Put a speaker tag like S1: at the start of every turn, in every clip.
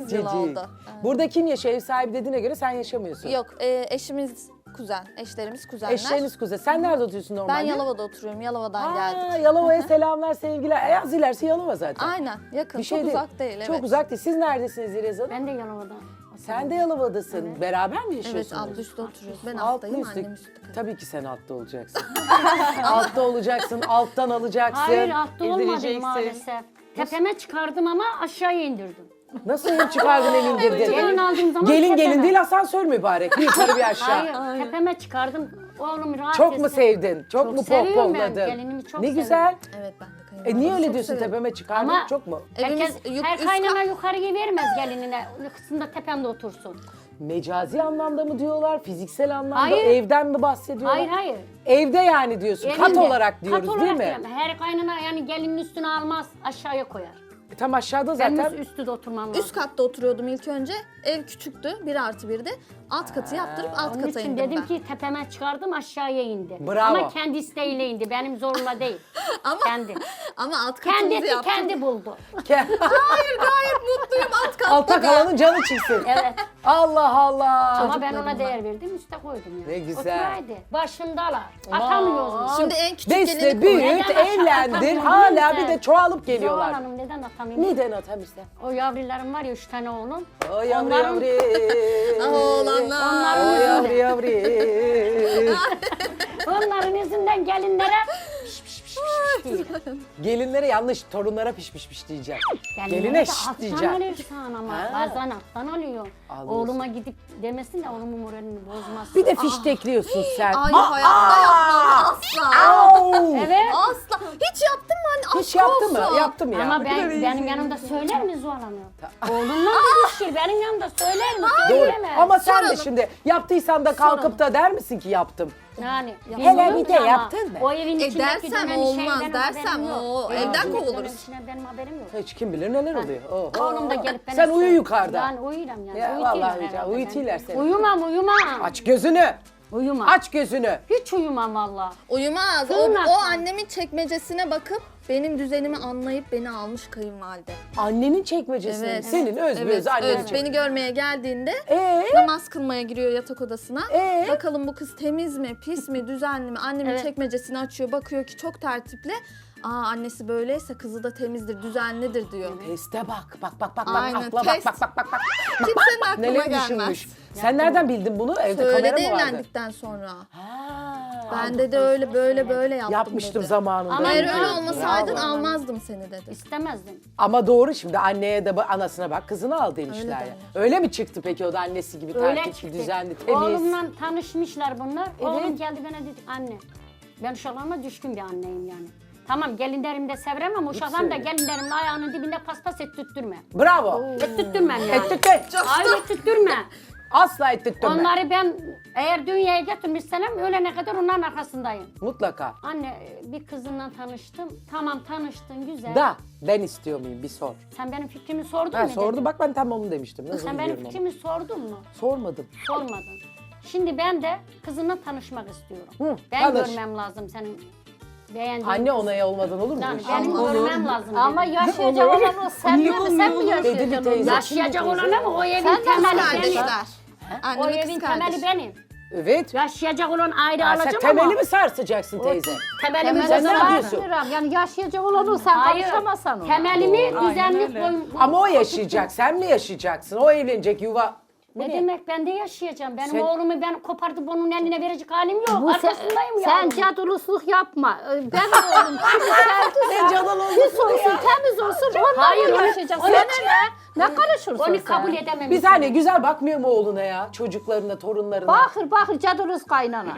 S1: 8 yıl
S2: Cicik.
S1: oldu.
S2: Burada kim yaşıyor? Ev sahibi dediğine göre sen yaşamıyorsun.
S1: Yok, eşimiz kuzen, eşlerimiz kuzenler.
S2: Eşleriniz kuzen. Sen nerede oturuyorsun normalde?
S1: Ben Yalova'da oturuyorum, Yalova'dan geldik.
S2: Yalova'ya selamlar, sevgiler. Az ilerisi Yalova zaten.
S1: Aynen, yakın,
S2: Bir şey
S1: çok
S2: değil.
S1: uzak değil.
S2: Çok
S1: Evet.
S2: uzak değil. Siz neredesiniz İrez Hanım?
S3: Ben de Yalova'da.
S2: Sen de Yalova'dasın. Beraber mi yaşıyorsunuz?
S1: Evet, altlı üstte oturuyoruz. Ben
S2: Altlı
S1: alttayım,
S2: üstte.
S1: annem üstte kalıyor.
S2: Tabii ki sen altta olacaksın. Altta olacaksın, alttan alacaksın.
S3: Hayır altta olmadı
S4: İndireceksin.
S3: maalesef. Tepeme çıkardım ama aşağıya indirdim.
S2: Nasıl ev çıkardın el indirdin?
S3: Gelin aldığım zaman
S2: Gelin
S3: tepeme.
S2: gelin değil asansör mübarek. Bir yukarı bir aşağı.
S3: Hayır, tepeme çıkardım. Oğlum rahat
S2: Çok mu
S3: etsin.
S2: sevdin? Çok mu
S3: seviyorum ben,
S2: pohpohladın?
S3: gelinimi çok
S2: Ne
S3: severim.
S2: güzel.
S1: Evet, ben de kayınvalidemi
S2: Niye öyle
S1: çok
S2: diyorsun
S1: severim.
S2: tepeme çıkardın?
S3: Ama-
S2: Çok mu?
S1: Evimiz
S3: Her
S1: üst
S3: kaynana yukarıya vermez gelinine. Kısımda tepemde otursun.
S2: Mecazi anlamda mı diyorlar? Fiziksel anlamda
S3: Hayır.
S2: evden mi bahsediyorlar?
S3: Hayır hayır.
S2: Evde yani diyorsun. Kat
S3: Evinde.
S2: olarak diyoruz
S3: Kat
S2: değil
S3: olarak
S2: mi?
S3: diyorum. Her kaynana yani gelinin üstüne almaz aşağıya koyar.
S2: Tam aşağıda
S3: Benim
S2: zaten.
S3: üstü de oturmam lazım.
S1: Üst katta oturuyordum ilk önce. Ev küçüktü, 1+1'de. Alt katı yaptırıp alt
S3: Onun
S1: kata
S3: için
S1: indim
S3: dedim
S1: ben.
S3: ki tepeme çıkardım aşağıya indi.
S2: Bravo.
S3: Ama kendi isteğiyle indi. Benim zorla değil.
S1: Ama,
S3: Kendi.
S1: ama alt katımızı
S3: Kendisi
S1: yaptım.
S3: kendi buldu.
S1: Hayır, gayet mutluyum alt katta
S2: Alta
S1: da.
S2: kalanın canı çıksın.
S3: Evet.
S2: Allah Allah.
S3: Ama ben ona değer verdim, üste koydum yani.
S2: Ne güzel.
S3: Oturaydı. Başındalar. Atamıyoruz.
S1: Şimdi en küçük
S2: Besle,
S1: gelini
S2: büyüt,
S3: Neden aşağı
S2: evlendir.
S3: atamıyorum
S2: Hala
S3: değil
S2: bir
S3: mi?
S2: de çoğalıp
S3: Zuhal
S2: geliyorlar.
S3: Hanım neden atamayayım?
S2: Neden atamıyorsun?
S3: O yavrularım var ya 3 tane oğlum.
S2: O yavru
S3: Onların-
S2: yavru.
S1: oğlanlar.
S2: O yavru yavru.
S3: Onların yüzünden gelinlere piş piş piş piş piş diyor.
S2: Gelinlere yanlış, torunlara piş piş piş diyeceğim.
S3: Gelinlere
S2: Geline
S3: de
S2: şşt
S3: alttan
S2: diyeceğim.
S3: alırsan ama
S2: Ha.
S3: bazen alttan alıyor.
S2: Alıyorsun.
S3: Oğluma gidip demesin de oğlumun moralini bozmasın.
S2: Bir de fiştekliyorsun sen.
S1: Ay hayatta yapmam asla.
S2: Au!
S3: Evet.
S1: Asla. Hiç yaptın mı anne?
S2: Hiç
S1: Aşk
S2: yaptı mı?
S1: olsun.
S2: Yaptım ya.
S3: Ama benim yanımda söyler mi Zuhal Hanım? Oğlumla düşür benim yanımda söyler mi?
S2: Doğru.
S3: Söyleyemez.
S2: Ama sen de
S1: Soralım.
S2: şimdi yaptıysan da kalkıp
S1: Soralım.
S2: da der misin ki yaptım?
S3: Yani
S2: Hele
S3: bilmiyorum
S2: bir de
S3: ama
S2: yaptın mı?
S3: O evin içindeki
S1: dersem
S3: dönen
S1: olmaz,
S3: şeyden
S1: dersem
S3: haberim yok.
S1: o
S3: Evin
S1: evden
S3: içindeki
S1: kovuluruz.
S3: dönen işine benim haberim yok.
S2: Hiç kim bilir neler oluyor. Oho.
S3: Oğlum da gelip bana
S2: Sen uyu
S3: söylüyor.
S2: yukarıda.
S3: Yani uyuyorum yani.
S2: Ya
S3: Uyutuyorlar
S2: vallahi
S3: herhalde
S2: uyutuyorlar
S3: beni.
S2: seni.
S3: Uyumam.
S2: Aç gözünü.
S3: Uyumam.
S2: Aç gözünü.
S3: Hiç uyumam valla.
S1: Uyumaz.
S3: Sığınak
S1: O
S3: mı?
S1: annemin çekmecesine bakıp benim düzenimi anlayıp beni almış kayınvalide.
S2: Annenin çekmecesine.
S1: Evet.
S2: Senin öz
S1: Evet,
S2: öz annenin
S1: evet.
S2: çekmecesi.
S1: Beni görmeye geldiğinde
S2: Ee?
S1: namaz kılmaya giriyor yatak odasına. Bakalım bu kız temiz mi, pis mi, düzenli mi? Annemin
S3: Evet.
S1: çekmecesini açıyor, bakıyor ki çok tertipli. Aa, annesi böyleyse kızı da temizdir, düzenlidir diyor.
S2: Teste bak. Bak.
S1: Aynen,
S2: Akla
S1: test.
S2: bak.
S1: Kimsenin aklına
S2: Neler
S1: gelmez.
S2: düşünmüş. Sen nereden bildin bunu? Evde
S1: Söyledi
S2: kamera mı vardı?
S1: evlendikten sonra.
S2: Ha.
S1: Ben dedi öyle böyle yaptım
S2: Yapmıştım
S1: dedi.
S2: zamanında.
S3: Ama
S1: Eğer
S3: ne
S1: öyle
S3: yapayım?
S1: olmasaydın
S2: Bravo.
S1: almazdım seni dedi.
S3: İstemezdim.
S2: Ama doğru şimdi anneye de anasına bak kızını al demişler
S1: Öyle
S2: ya.
S1: derler.
S2: Öyle mi çıktı peki o da annesi gibi
S3: Öyle
S2: tertipli,
S3: çıktı.
S2: düzenli, temiz?
S3: Oğlumla tanışmışlar bunlar.
S2: Evet.
S3: Oğlum geldi bana dedi anne. Ben uşaklarıma düşkün bir anneyim yani. Tamam gelinlerimde severim ama uşaklarım da
S2: söyle.
S3: gelinlerimin ayağının dibinde paspas ettirtme.
S2: Bravo.
S3: Ettirtmem yani.
S2: Ettirtme.
S3: Hayır ettirtme.
S2: Asla ettirtme.
S3: Onları ben eğer dünyaya getirmişsem ölene kadar onların arkasındayım.
S2: Mutlaka.
S3: Anne bir kızınla tanıştım. Tamam tanıştın güzel.
S2: Da ben istiyor muyum bir sor.
S3: Sen benim fikrimi sordun
S2: Ha,
S3: mu?
S2: sordu
S3: dedim.
S2: bak ben tam onu demiştim. Nasıl
S3: Sen benim
S2: biliyorum ama.
S3: fikrimi sordun mu?
S2: Sormadım.
S3: Sormadın. Şimdi ben de kızınla tanışmak istiyorum.
S2: Hı,
S3: Ben
S2: tanış.
S3: görmem lazım senin beğendiğin
S2: Anne
S3: kızı.
S2: onayı olmadan olur mu?
S3: Yani
S2: hiç?
S3: benim
S1: Olur.
S3: görmem lazım
S4: Ama
S3: dedim.
S4: yaşayacak olan o sen mi? Sen mi
S2: Edili
S4: yaşayacaksın
S2: teyze.
S4: onu?
S3: Yaşayacak olan ama o evin
S4: Sen de
S3: temeli benim.
S1: Kardeşler.
S3: O
S1: Annemin
S3: evin
S1: kız kardeşi.
S3: temeli benim.
S2: Evet.
S3: Yaşayacak olan ayrı
S2: Ha, sen
S3: alacağım
S2: temeli
S3: ama.
S2: mi sarsacaksın teyze?
S3: Temelimi
S2: Sen ne
S3: var.
S2: yapıyorsun?
S4: Yani yaşayacak olan o sen
S3: Hayır.
S4: karışamazsan ona.
S3: Temelimi
S4: Doğru.
S3: düzenli
S4: Aynen öyle.
S3: koyun.
S2: Ama o yaşayacak. Sen mi yaşayacaksın? O evlenecek yuva.
S3: Ne demek ben de yaşayacağım. Benim
S2: Sen-
S3: oğlumu ben kopartıp onun eline verecek halim yok.
S4: Bu
S3: Arkasındayım ya.
S4: sen cadulusluk yapma. Ben oğlum kimi sevdiysen
S2: cadıl oldun
S4: pis olsun, temiz olsun onunla
S3: Hayır, onu-
S4: yaşayacak.
S3: onu-
S4: Sana ne? Ne karışırsın
S3: Onu
S4: sen?
S3: kabul edemem.
S2: Bir saniye güzel bakmıyor mu oğluna ya? Çocuklarına, torunlarına.
S4: Bakır caduluz kaynana.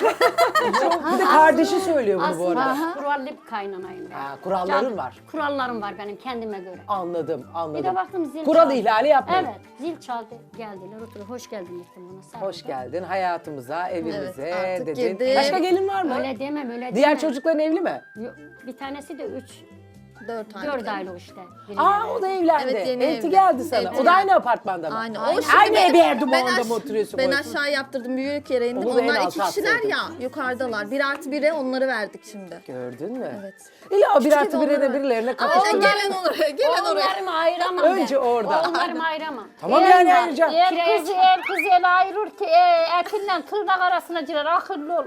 S2: Bir de kardeşi söylüyor bunu bu
S3: Aslında
S2: arada.
S3: kurallı bir kaynanayım ben.
S2: Ha, kuralların
S3: Can-
S2: var.
S3: Kurallarım var benim kendime göre.
S2: Anladım.
S3: Bir de baktım zil
S2: Kural
S3: çaldı.
S2: ihlali yapmayın.
S3: Evet zil çaldı geldiler oturup hoş geldin dedim bana. sarıldım.
S2: Hoş geldin hayatımıza, evimize
S1: Evet, artık
S2: dedin.
S1: girdim.
S2: Başka gelin var mı?
S3: Öyle demem öyle
S2: Diğer
S3: demem.
S2: çocukların evli mi?
S3: Yok, bir tanesi de
S1: 4 aylık.
S3: 4 aylık işte.
S2: Aa o da evlendi.
S1: Evet, yeni
S2: Elti
S1: evli.
S2: geldi sana.
S1: Elti
S2: o da aynı
S1: geldi.
S2: apartmanda mı?
S1: Aynı.
S2: Aynı ev yerde mi onda mı oturuyorsun?
S1: Ben
S2: bu
S1: aşağı yaptırdım, büyük yere indim.
S2: Onu da en
S1: Onlar
S2: alta
S1: 2 kişiler
S2: atsaydın.
S1: ya, yukarıdalar. 1+1'e onları verdik şimdi.
S2: Gördün mü?
S1: Evet.
S2: İlla bir
S1: Küçük
S2: artı
S1: ev
S2: bire de
S1: onları-
S2: birilerine
S1: Aynen,
S2: kapatın.
S1: gelen oraya, gelen oraya.
S3: Oğullarımı ayıramam
S2: Önce
S3: ben.
S2: orada.
S3: Oğullarımı ayıramam.
S2: Tamam yani ayıracağım.
S3: Kiraya
S4: Kız el kız el ayırır ki etinden tırnak arasına girer. Akıllı ol.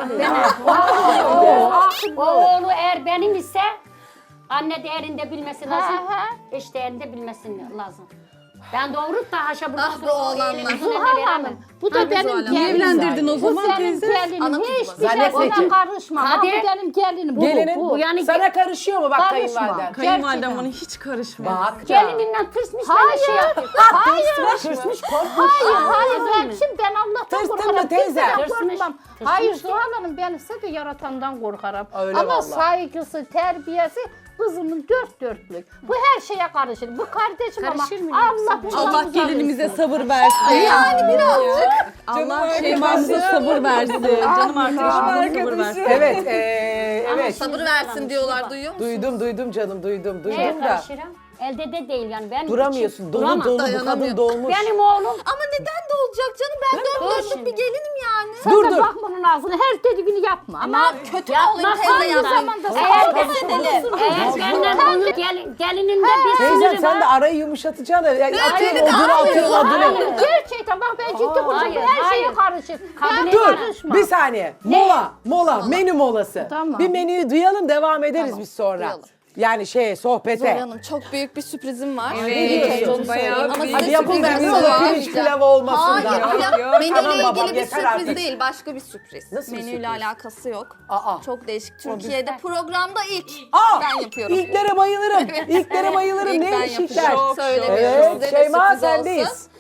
S3: O oğlu eğer benim ise anne değerinde bilmesi lazım. Eş değerinde bilmesi lazım. Ben doğurup da haşa buradan
S1: Ah be oğlanlar.
S4: Zuhal Hanım, bu da benim
S1: Zuhal Hanım.
S4: gelinim.
S5: Evlendirdin o
S4: Bu
S5: zaman
S4: senin
S5: teyze.
S4: gelinim.
S1: Ana kızı
S4: Hiçbir
S2: var.
S4: şey
S2: Zannetme ki.
S4: ona karışma. Ha, bu
S3: Hadi.
S4: benim gelinim. Bu,
S2: Gelinin
S4: bu.
S3: yani
S2: sana karışıyor mu bak
S4: Karışma.
S2: kayınvaliden?
S5: Kayınvalidem
S4: Gerçekten.
S5: bana hiç karışmaz.
S2: Bak.
S3: gelininden tırsmış
S4: Hayır.
S3: bana şey yapıyor.
S2: Tırsmış korkmuş.
S4: Hayır ben
S3: mi?
S4: kim? Ben Allah'tan
S2: Tırstın
S4: korkarım.
S2: mı teyze?
S4: Kimseden
S3: Tırsmış.
S4: korkmam.
S3: Tırsmış
S4: Hayır
S3: ki.
S4: Zuhal Hanım ben size de yaratandan korkarım.
S2: Öyle
S4: Ama
S2: vallahi.
S4: saygısı, terbiyesi kızımın dört dörtlük. Bu her şeye karışır. Bu kardeşim
S3: Karışır mı?
S4: ama Allah bundan
S5: Allah
S4: uzak
S5: gelinimize
S4: etsin.
S5: sabır versin.
S1: Yani birazcık.
S5: Allah Şeyma'mıza sabır versin. Canım arkadaşımıza sabır versin.
S2: Evet, evet.
S1: Sabır versin diyorlar, duyuyor musun?
S2: Duydum canım, duydum
S3: Neye
S2: da.
S3: karışırım? Elde de değil yani. Ben
S2: Duramıyorsun, dolu
S3: duramam.
S2: dolu bu kadın
S1: Dayanamıyor.
S2: dolmuş.
S3: Benim oğlum
S1: Ama neden de olacak canım? Ben dört dörtlük
S3: şimdi.
S1: bir gelinim yani.
S4: Sen
S2: Dur,
S4: de
S2: dur.
S4: bakma onun ağzına. Her dediğini yapma. Ama
S1: Kötü mü olayım teyze
S4: aynı
S1: yapayım?
S4: zamanda
S3: Eğer
S4: sabır
S3: ben-
S4: edelim.
S3: eğer benden bunu gelininde bir
S2: Teyzem
S3: sinirim
S2: sen de
S3: var.
S2: arayı yumuşatacaksın. da. Yani atıyorsun
S1: beni de
S2: odunu, atıyorsun
S1: almıyor.
S2: odunu.
S4: Gerçekten bak ben ciddi konuşuyorum.
S3: hayır,
S4: Her şeye
S3: hayır.
S4: karışır.
S3: Kabul
S2: Dur,
S4: karışma.
S2: bir saniye. Mola, menü molası.
S4: Tamam.
S2: Bir menüyü duyalım, devam ederiz biz sonra.
S1: duyalım.
S2: Yani sohbete.
S1: Zuhal Hanım, çok büyük bir sürprizim var.
S5: Evet,
S1: İlk önce onu
S5: bayağı
S1: söyleyeyim. Ama
S5: büyük.
S1: size
S2: Hadi yapın
S1: sürpriz
S2: da bir
S1: var.
S2: yola pirinç pilav olmasın da.
S1: Hayır,
S5: Yok,
S1: menüyle
S2: tamam babam,
S1: ilgili bir
S2: yeter
S1: sürpriz
S2: artık.
S1: değil, başka bir sürpriz.
S2: Nasıl bir
S1: Menüyle
S2: sürpriz?
S1: alakası yok.
S2: Aa.
S1: Çok değişik. Türkiye'de programda ilk
S2: Aa,
S1: ben yapıyorum.
S2: İlklere bayılırım. İlklere bayılırım.
S1: İlk ben
S2: Neymiş ilkler?
S1: yapacağım. Söylemiyorum.
S2: Evet,
S1: Size de
S2: Şeyma
S1: sürpriz
S2: sendeyiz.
S1: olsun.